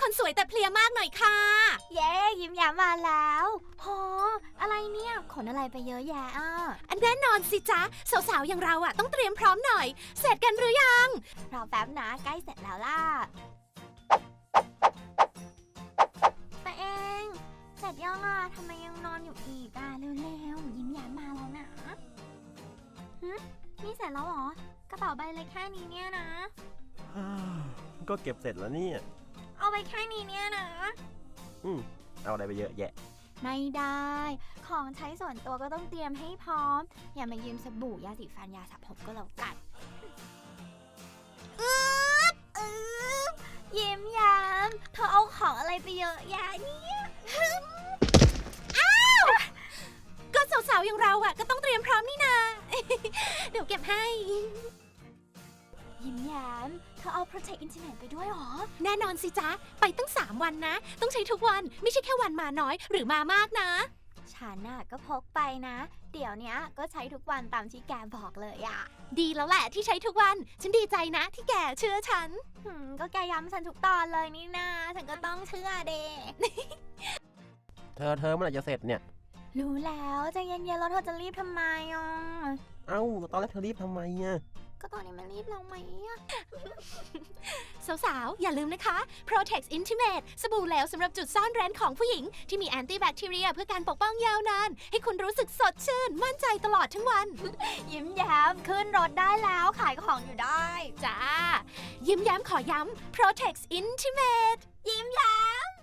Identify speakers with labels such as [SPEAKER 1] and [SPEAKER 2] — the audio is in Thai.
[SPEAKER 1] คนสวยแต่เพลียมากหน่อยค่ะ
[SPEAKER 2] เย้ยิ้มแย้มมาแล้วโหอะไรเนี่ยขนอะไรไปเยอะแยะ
[SPEAKER 1] อันแน่นอนสิจ๊ะสาวๆอย่างเราอะต้องเตรียมพร้อมหน่อยเสร็จกันหรือยัง
[SPEAKER 2] รอแป๊บนะใกล้เสร็จแล้วล่ะตัวเองเสร็จยังทำไมยังนอนอยู่อีกเร็วๆยิ้มแย้มมาแล้วนะนี่เสร็จแล้วเหรอกระเป๋าใบเล็กแค่นี้เนี่ยนะ
[SPEAKER 3] ก็เก็บเสร็จแล้วเนี่ย
[SPEAKER 2] เอาไปแค่นี้เนี่ยนะ
[SPEAKER 3] เอาอะไรไปเยอะแยะ
[SPEAKER 2] ไม่ได้ของใช้ส่วนตัวก็ต้องเตรียมให้พร้อมอย่ามายืมสบู่ยาสีฟันยาสระผมก็แล้วกันยิ้มแย้มเธอเอาของอะไรไปเยอะแยะเนี่ย
[SPEAKER 1] ก็สาวๆอย่างเราอะก็ต้องเตรียมพร้อมนี่นา เดี๋ยวเก็บให้
[SPEAKER 2] ยิ้มแย้มเธอเอา Protect Intimate ไปด้วยหรอ
[SPEAKER 1] แน่นอนสิจ๊ะไปตั้ง3 วันนะต้องใช้ทุกวันไม่ใช่แค่วันมาน้อยหรือมามากนะ
[SPEAKER 2] ฉันก็พกไปนะเดี๋ยวนี้ก็ใช้ทุกวันตามที่แกบอกเลย
[SPEAKER 1] ดีแล้วแหละที่ใช้ทุกวันฉันดีใจนะที่แกเชื่อฉัน
[SPEAKER 2] ก็แกย้ำฉันทุกตอนเลยนี่นะฉันก็ต้องเชื่อเด
[SPEAKER 3] เธอเมื่อไหร่จะเสร็จเนี่ย
[SPEAKER 2] รู้แล้วใจเย็นๆแล้วเธอจะรีบทำไม
[SPEAKER 3] เอ้าตอนแรกเธอรีบทำไม
[SPEAKER 2] ก็ตอนนี้มันรีบลงไหม
[SPEAKER 1] สาวๆอย่าลืมนะคะ Protex Intimate สบู่เหลวสำหรับจุดซ่อนเร้นของผู้หญิงที่มีแอนตี้แบคทีเรียเพื่อการปกป้องยาวนานให้คุณรู้สึกสดชื่นมั่นใจตลอดทั้งวัน
[SPEAKER 2] ยิ้มแย้มขึ้นรถได้แล้วขายของอยู่ได้
[SPEAKER 1] จ้ายิ้มแย้มขอย้ำ Protex Intimate
[SPEAKER 2] ยิ้มแย้ม